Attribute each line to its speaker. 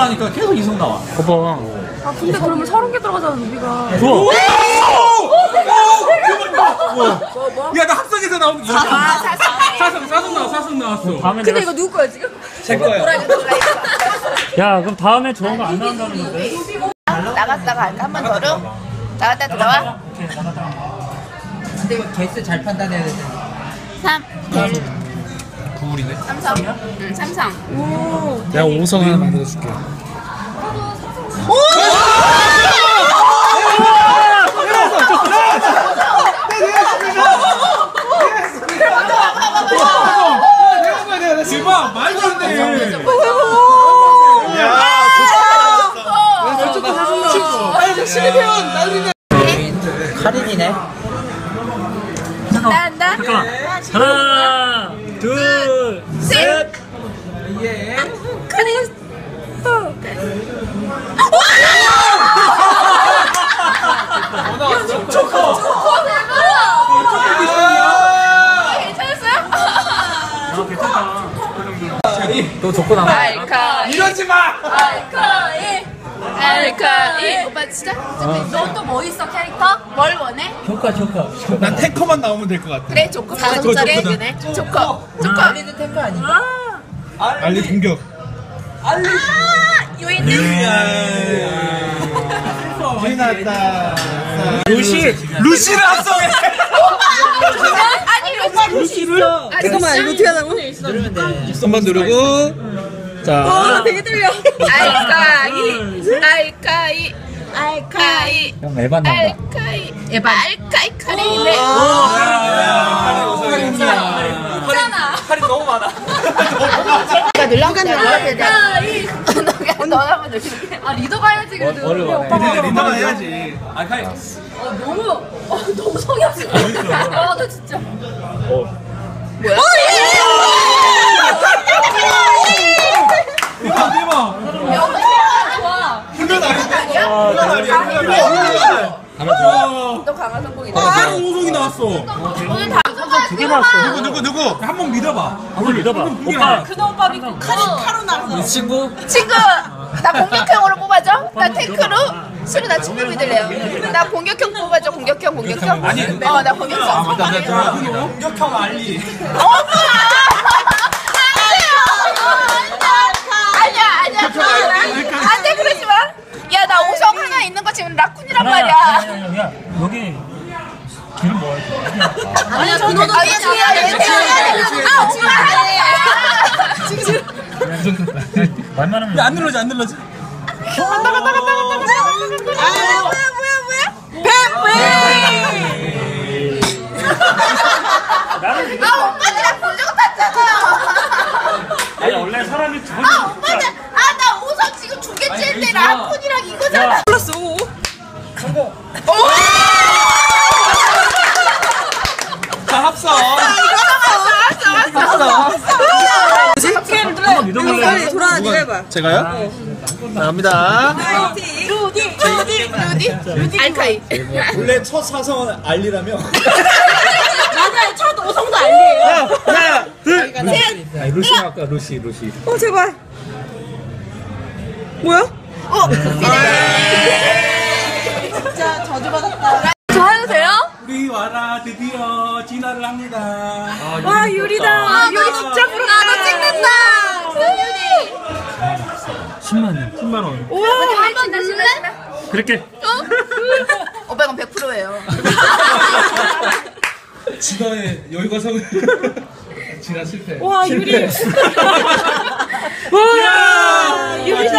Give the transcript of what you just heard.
Speaker 1: 하니까 계속 이성 나와.
Speaker 2: 봐봐.
Speaker 3: 아 근데 그러면 30개 들어가잖아 루비가.
Speaker 2: 우와.
Speaker 1: 야, 나 합성에서 나온 거. 사성 나왔어.
Speaker 2: 다음에
Speaker 3: 근데
Speaker 2: 내가
Speaker 3: 이거 누구 거야 지금?
Speaker 1: 제 거야.
Speaker 2: 야 그럼 다음에 좋은 거 안 나온다는 건데?
Speaker 4: 나갔다가 할까? 한 번 더로? 나갔다 들어와?
Speaker 2: 오케이 나갔다.
Speaker 5: 근데 이거 개수 잘 판단해야 되잖아.
Speaker 4: 3, 델,
Speaker 1: 구울이네.
Speaker 4: 삼성. 응, 삼성.
Speaker 2: 내가 5성 하나 만들어줄게.
Speaker 1: 대박, 말도 안 돼. 야,
Speaker 5: 카린이네.
Speaker 4: 한다.
Speaker 2: 잠깐만. 하나, 둘, 셋.
Speaker 4: 카린. 괜찮았어요?
Speaker 2: 아 괜찮다.
Speaker 5: 너 조건 안
Speaker 4: 알카이.
Speaker 1: 이러지 마.
Speaker 4: 알카이. 오빠 진짜? 너 또 뭐 있어 캐릭터? 뭘 원해?
Speaker 5: 효과.
Speaker 1: 난 탱커만 나오면 될 것 같아.
Speaker 4: 그래 조커. 4점짜리. 조커.
Speaker 5: 알리는 탱크 아니야?
Speaker 1: 알리 공격.
Speaker 4: 요인님.
Speaker 1: 거의 나왔다. 루시를 합성해.
Speaker 4: 아니 루시를?
Speaker 3: 잠깐만 이거 어떻게 하자고?
Speaker 5: 누르면 돼.
Speaker 1: 한번 누르고. 자.
Speaker 3: 되게 떨려.
Speaker 4: 알카이.
Speaker 5: 형 에반 난다.
Speaker 4: 알카이 카린이네.
Speaker 1: 팔이 너무 많아.
Speaker 4: 누가 알카이. 너 한번 누르게.
Speaker 3: 아 리더가 해야지 그래도.
Speaker 1: 리더만 해야지. 알카이.
Speaker 3: 너무 성의 없어. 아나 진짜.
Speaker 4: 뭐야?
Speaker 1: 대박.
Speaker 3: 좋아.
Speaker 1: 훈련 아닌데?
Speaker 4: 너 강한 성공이다.
Speaker 1: 바로 오송이 나왔어.
Speaker 4: 오늘 다
Speaker 2: 2개 나왔어.
Speaker 1: 누구? 한 번 믿어봐.
Speaker 2: 한번 믿어봐. 오빠.
Speaker 3: 큰 오빠 믿고 카로 나서.
Speaker 5: 이 친구?
Speaker 4: 친구 나 공격형으로 뽑아줘. 나 탱크로. 수루 나 친구 믿을래요. 나 공격형 뽑아줘. 공격형.
Speaker 1: 아니.
Speaker 4: 나 공격형.
Speaker 1: 공격형 알리.
Speaker 4: 아니야. 안돼 그러지 마. 야 나 오성 하나 있는 거 지금 라쿤이란 말이야.
Speaker 2: 야 여기 길을 모아야지.
Speaker 3: 아니야 저 너도
Speaker 4: 아 지금
Speaker 2: 말만 하면.
Speaker 1: 안 눌러지.
Speaker 4: 뭐야? 오빠들이랑 불정 탔잖아.
Speaker 2: 아니 원래 사람이 두 번.
Speaker 4: 오빠들 나 오성 지금 두 개째인데 라쿤이랑 이거잖아.
Speaker 3: 플러스 5.
Speaker 1: 자, 합성.
Speaker 2: 한번 믿어볼래?
Speaker 3: 돌아와 네가 해봐.
Speaker 1: 제가요? 자, 갑니다.
Speaker 3: 루디.
Speaker 4: 알카이.
Speaker 1: 원래 첫 사성은 알리라며.
Speaker 3: 맞아요. 첫 오성도 알리에요.
Speaker 1: 하나, 둘.
Speaker 5: 아니, 루시 아까 루시.
Speaker 3: 제발. 뭐야? 진짜 저주받았다. 저 해도 돼요?
Speaker 1: 우리 와라 드디어 진화를 합니다.
Speaker 3: 와 유리다. 유리 진짜 부럽다.
Speaker 4: 너 찍는다. 유리.
Speaker 2: 10만 원.
Speaker 1: 10만 원.
Speaker 3: 우와
Speaker 4: 한번 누를래?
Speaker 2: 그렇게.
Speaker 4: 오빠 이건 100%예요.
Speaker 1: 진화의 여유가 성. 진화 실패.
Speaker 3: 와 유리. 와 유리